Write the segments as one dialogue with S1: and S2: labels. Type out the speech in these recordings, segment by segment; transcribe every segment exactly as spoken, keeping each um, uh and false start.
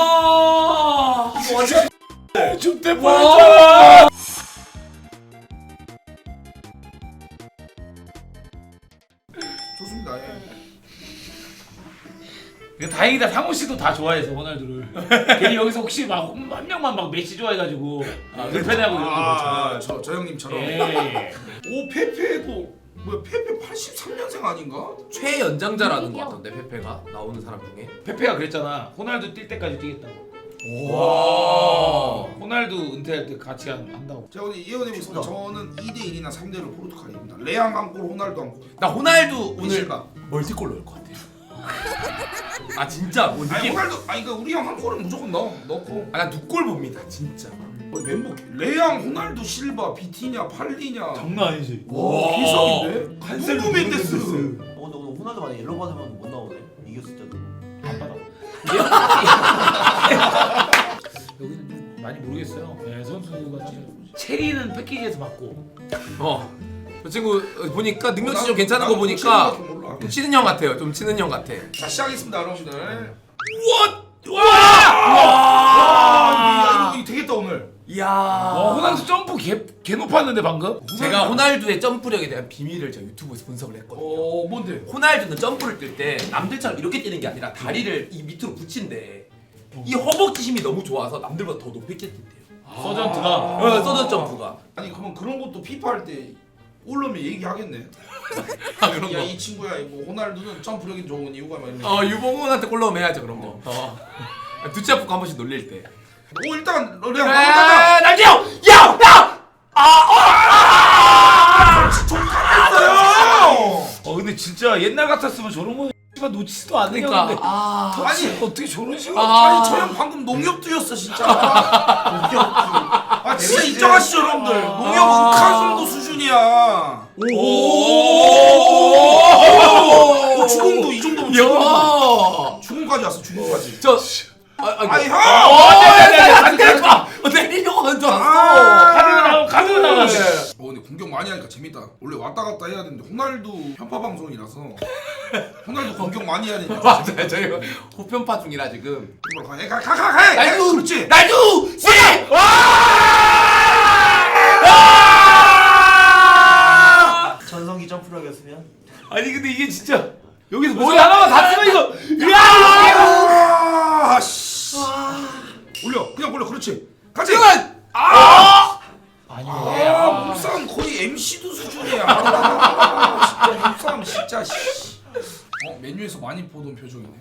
S1: 와 이거 완전
S2: 줍대 뻔했잖아.
S3: 좋습니다. 예.
S2: 다행이다. 상호 씨도 다 좋아해서 호날두를. 괜히 여기서 혹시 막 한 명만 막 메시 좋아해가지고 불편해하고 이런 거
S3: 아, 저, 저 형님처럼.
S2: 예.
S3: 오 페페도 뭐야 페페 팔십삼 년생 아닌가?
S1: 최연장자라는 거 같던데 페페가 나오는 사람 중에.
S2: 페페가 그랬잖아. 호날두 뛸 때까지 뛰겠다고.
S1: 와.
S2: 호날두 은퇴할 때 같이 한, 한다고.
S3: 제가 오늘 예언해보겠습니다. 저는 이 대 일이나 삼 대 일 포르투갈입니다. 레앙 한 골, 호날두 한 골.
S1: 나 호날두 오늘
S3: 실각.
S1: 멀티골 넣을 것 같아. 아 진짜 뭐
S3: 아니
S1: 느낌.
S3: 호날두 아니 그러니까 우리 형 한 골은 무조건 넣어 넣고.
S1: 아나 두 골 봅니다 진짜.
S3: 거의 멤버 레앙, 호날두, 실바, 비티냐, 팔리냐.
S2: 장난 아니지.
S3: 와 비석인데.
S2: 칸셀로,
S3: 누구 멘데스.
S4: 어, 근데 오늘 호날두 만약 옐로우 받으면 못 나오네. 이겼을 때도.
S2: 안 받아. 여기는 좀 많이 모르겠어요. 네, 선수가 지금 체리는 패키지에서 받고.
S1: 어. 저 친구 보니까 능력치
S3: 나-
S1: 좀 괜찮은
S3: 나도
S1: 거 보니까
S3: 체리밖에 몰라.
S1: 좀 치는 형 같아요. 좀 치는 형 같아.
S3: 자 시작하겠습니다 여러분들.
S1: 와!
S3: 아, 이거, 이거 되겠다 오늘.
S1: 이야.
S2: 와, 호날두 점프 개, 개 높았는데 방금?
S1: 제가 호날두의 점프력에 대한 비밀을 제가 유튜브에서 분석을 했거든요.
S3: 어 뭔데?
S1: 호날두는 점프를 뛸 때 남들처럼 이렇게 뛰는 게 아니라 다리를 이 밑으로 붙인대. 이 허벅지 힘이 너무 좋아서 남들보다 더 높이 뛴대요.
S2: 서전트가.
S1: 어, 서전 점프가.
S3: 아니 그러면 그런 것도 피파 할 때 올라오면 얘기하겠네.
S1: 아 그런 거.
S3: 야 이 친구야 뭐 호날두는 점프력이 좋은 이유가 막 이런.
S1: 어 유봉훈한테 골 넣으면 해야죠 그런 거. 어. 두치 아프고 한 번씩 놀릴 때.
S3: 오 일단
S1: 그래
S3: 레앙 가자.
S1: 날뛰어! 야! 야!
S3: 했어요.
S2: 어 근데 진짜 옛날 같았으면 저런 거 씨발 놓치지도 않는
S1: 그러니까
S2: 형인데.
S1: 아.
S2: 아니
S3: 아니,
S2: 어떻게 저런 식으로?
S1: 아.
S3: 아니 저 형 방금 농협 뛰었어 진짜. 아 진짜 인정하시죠 여러분들. 농협 은카 정도 수준이야. 오. 주공도 이 정도면 주공.
S1: 야!
S3: 주공까지 왔어 주공까지.
S1: 저 아, 아,
S3: 아니 형.
S1: 안 돼, 안 돼. 내리려고 하는 줄 알았어.
S2: 카드가 나와 카드가 나와.
S3: 어 근데 공격 많이 하니까 재밌다. 원래 왔다 갔다 해야 되는데 호날두 편파 방송이라서 호날두 공격 많이 해야 되니까.
S1: 맞아요. 저희가 호편파 중이라 지금.
S3: 가가가 해.
S1: 날두!
S3: 그렇지.
S1: 날두! 씨!
S4: 전성기 점프력이었으면.
S2: 아니 근데 이게 진짜 여기서 머리 하나만 다 쓰면 이거.
S3: 아, 씨. 올려. 그냥 올려. 그렇지. 같이.
S1: 아!
S2: 아니
S3: 아, 몸싸움 거의 엠씨도 수준이야. 아, 진짜 몸싸움 진짜 씨. 어, 메뉴에서 많이 보던 표정이네.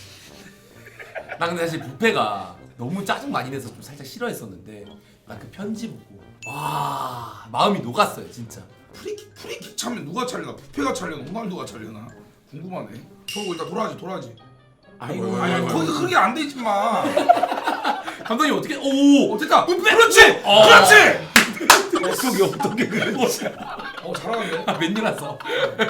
S1: 나 근데 사실 뷔페가 너무 짜증 많이 내서 좀 살짝 싫어했었는데 나 그 편지 보고 와 마음이 녹았어요 진짜.
S3: 프리킥 프리킥 차면 누가 차려나? 부페가 차려나? 호날두가 차려나? 궁금하네. 저거 일단 돌아야지, 돌아야지.
S1: 아이고
S3: 아니, 아니 거기 그게 안 되지 마.
S1: 감독님 어떻게 오
S3: 어, 됐다. 그렇지.
S1: 어.
S3: 그렇지.
S2: 속이 어떻게 그러지?
S3: 어, 잘하는데.
S1: 아, 맨유라서.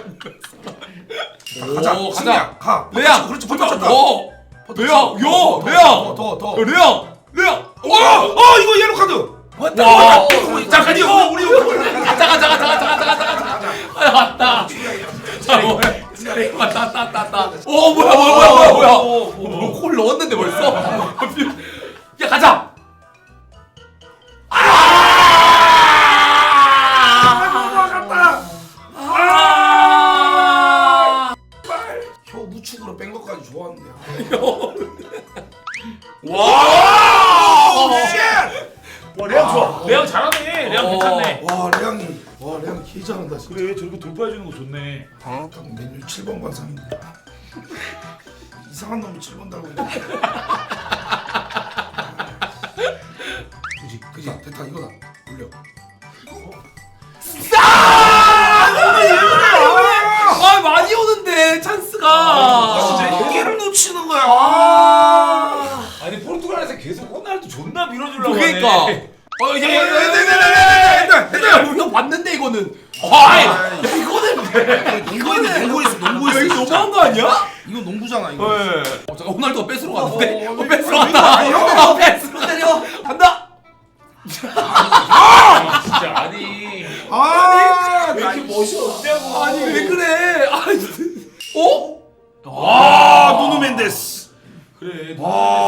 S3: 자, 가자.
S1: 오, 가자.
S3: 승리야. 가.
S1: 레앙
S3: 그렇지. 버텼다.
S1: 오 레앙 요
S3: 더,
S1: 레앙
S3: 더, 더.
S1: 레앙 레앙
S3: 어, 어, 이거 옐로 카드.
S2: 왔다.
S1: 와
S3: 어, 잠깐 이거 우리 우리
S1: 가자 가자 가자 가자 가자 가자 가자 아 왔다 자 뭐야 왔다 왔다 왔다 왔다 오 뭐야 뭐야 뭐야 뭐야 뭐야 골 넣었는데 벌써 야 가자
S3: 혀 무축으로 뺀 것까지 좋았는데.
S1: 와
S3: 쉣!
S2: 와 레앙 좋아. 레앙 잘하네. 레앙
S1: 어.
S2: 괜찮네.
S3: 와, 레앙이. 와, 레앙 개 잘한다 진짜.
S2: 그래 저렇게 돌파해 주는 거 좋네.
S3: 딱 메뉴 칠 번 관상인데. 이상한 놈이 칠 번 달고 있네. 그지, 그지. 됐다 이거다. 올려.
S1: 아 많이 오는데 찬스가
S3: 아, 진짜 여기를 놓치는 거야. 아.
S2: 아니 포르투갈에서 계속 호날두 존나 밀어주려고
S1: 그러니까
S2: 하네.
S1: 어 이제
S3: 됐다.
S1: 이거 봤는데 이거는
S3: 아이,
S1: 야 이거는
S3: 이거는 농구했어, 농구했어.
S1: 이거
S3: 진짜.
S1: 너무한 거 아니야?
S3: 이거 농구잖아 이거.
S1: 어 잠깐 호날두가 뺏으러 갔는데
S3: 어,
S1: 어
S3: 어,
S1: 뺏으러
S3: 어,
S1: 갔다
S3: 이거
S1: 어 뺏으러 때려 간다
S2: 아 진짜 아니.
S3: 아,
S2: 왜 이렇게 멋이 없냐고.
S1: 아니 왜 그래 아니 어?
S3: 아, 누누 멘데스.
S2: 그래.
S3: 아,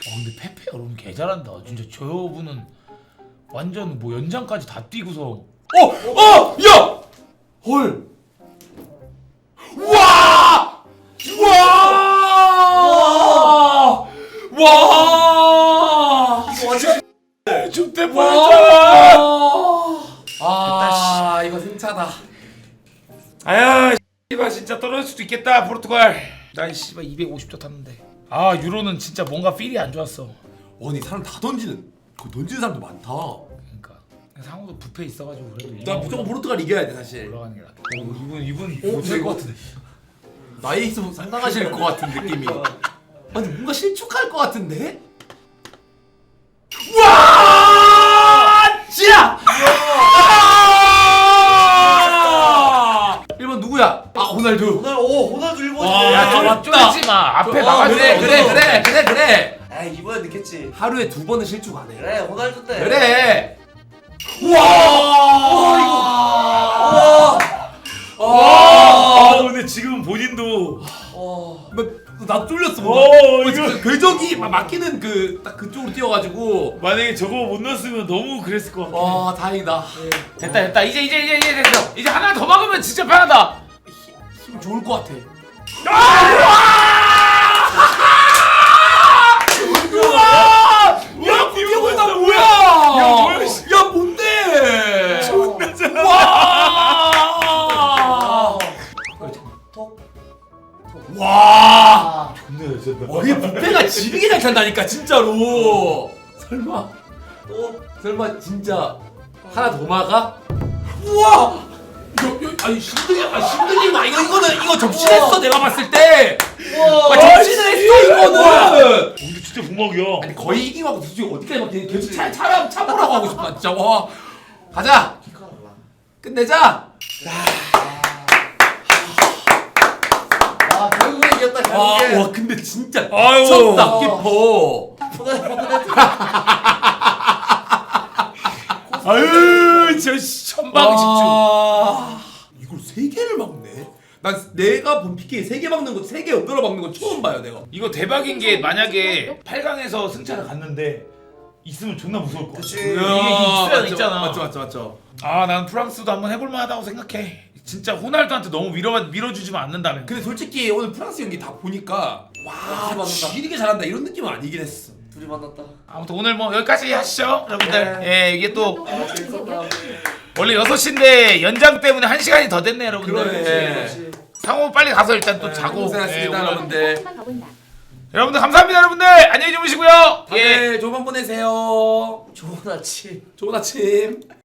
S2: 어 근데 페페 여러분 개 잘한다. 진짜 저분은 완전 뭐 연장까지 다 뛰고서.
S1: 어! 어! 야! 헐! 와! 와! 와!
S4: 이거 완전
S2: 죽대
S1: 와! 아, 이거 승차다.
S2: 아야 씨발 진짜 떨어질 수도 있겠다 포르투갈. 난 씨발 이백오십 조 탔는데. 아 유로는 진짜 뭔가 필이 안 좋았어.
S1: 아니 사람 다 던지는 그 던지는 사람도 많다.
S2: 그러니까 상호도 부패 있어가지고 그래도
S1: 나 무조건 포르투갈 이겨야 돼 사실.
S2: 올라가는 게 낫다. 어, 이분 이분
S1: 오, 될것 같은데. 나이 있으면 상당하실 것 같은 느낌이. 아니 뭔가 실축할 것 같은데? 와! 지야! 아! 일 번 누구야? 아 호날두.
S4: 오늘 오 호날두 일본.
S1: 와,
S2: 야, 좀
S1: 맞다.
S2: 쫄지 마. 앞에
S4: 어,
S2: 막아줘.
S1: 그래 그래 그래 그래 그래.
S4: 아 이번에 늦겠지.
S1: 하루에 두 번은 실축 안 해.
S4: 그래 호날두 때.
S1: 그래.
S4: 와
S1: 와!
S4: 이거.
S1: 와!
S2: 아 근데 지금 본인도
S4: 와.
S1: 나, 나 쫄렸어.
S2: 오,
S1: 어,
S2: 이거-
S1: 진짜 궤적이 막 막히는 그 딱 그쪽으로 뛰어가지고.
S2: 만약에 저거 못 넣었으면 너무 그랬을 것 같아.
S1: 와 다행이다.
S2: 됐다 됐다 이제 이제 이제 이제 됐어. 이제 하나 더 막으면 진짜 편하다.
S1: 힘 좋을 것 같아. 우와! 야 구경훈아 뭐야?
S2: 야, 뭐야, 씨.
S1: 야 뭔데?
S4: 존나
S1: 와!
S4: 톡.
S1: 와!
S2: 존나 잘한다.
S1: 와 이게 부패가 지리게 잘 찬다니까 진짜로. 설마
S4: 또.
S1: 설마 진짜 하나 더 막아? 우와! 이거, 이거 아니 힘들리 아 힘들리면 아, 이거 이거는 이거 접신했어 내가 봤을 때. 와 접신을 했어 이거는.
S2: 근데 진짜 부먹이야.
S1: 아니 거의 이기고 솔직히 어디까지 막 계속 차 차라 차보라고 하고 싶다 진짜. 와 가자 끝내자.
S4: 아 결국에 이겼다
S1: 와,
S4: 결국에.
S1: 와 근데 진짜
S2: 아유.
S1: 미쳤다 키퍼.
S4: 호날두 호날두.
S2: 아유 저 천방 집중.
S1: 와, 이걸 세 개를 막네. 난 내가 본 피케이 세 개 막는 거 세 개 엎드려 막는 건 처음 봐요 내가.
S2: 이거 대박인 게 만약에 팔 강에서 승차를 갔는데 있으면 존나 무서울 것 같아.
S4: 그치.
S2: 이게
S1: 야,
S2: 있어야
S1: 맞죠,
S2: 있잖아.
S1: 맞죠 맞죠 맞죠.
S2: 아 난 프랑스도 한번 해볼 만하다고 생각해. 진짜 호날두한테 너무 밀어 밀어주지만 않는다면.
S1: 근데 솔직히 오늘 프랑스 경기 다 보니까 와
S4: 맞는다.
S1: 지리게 잘한다 이런 느낌은 아니긴 했어.
S4: 둘이 만났다.
S2: 아무튼 오늘 뭐 여기까지 하시죠 여러분들. 예 이게 또
S4: 아 재밌었다.
S2: 원래 여섯 시인데 연장 때문에 한 시간이 더 됐네 여러분들.
S1: 그러네.
S2: 예.
S4: 그렇지.
S2: 상호 빨리 가서 일단 또 자고.
S1: 고생하셨습니다
S2: 예, 오늘-
S1: 여러분들.
S2: 여러분들 감사합니다 여러분들. 안녕히 주무시고요. 예.
S1: 네 좋은 밤 보내세요.
S4: 좋은 아침.
S1: 좋은 아침.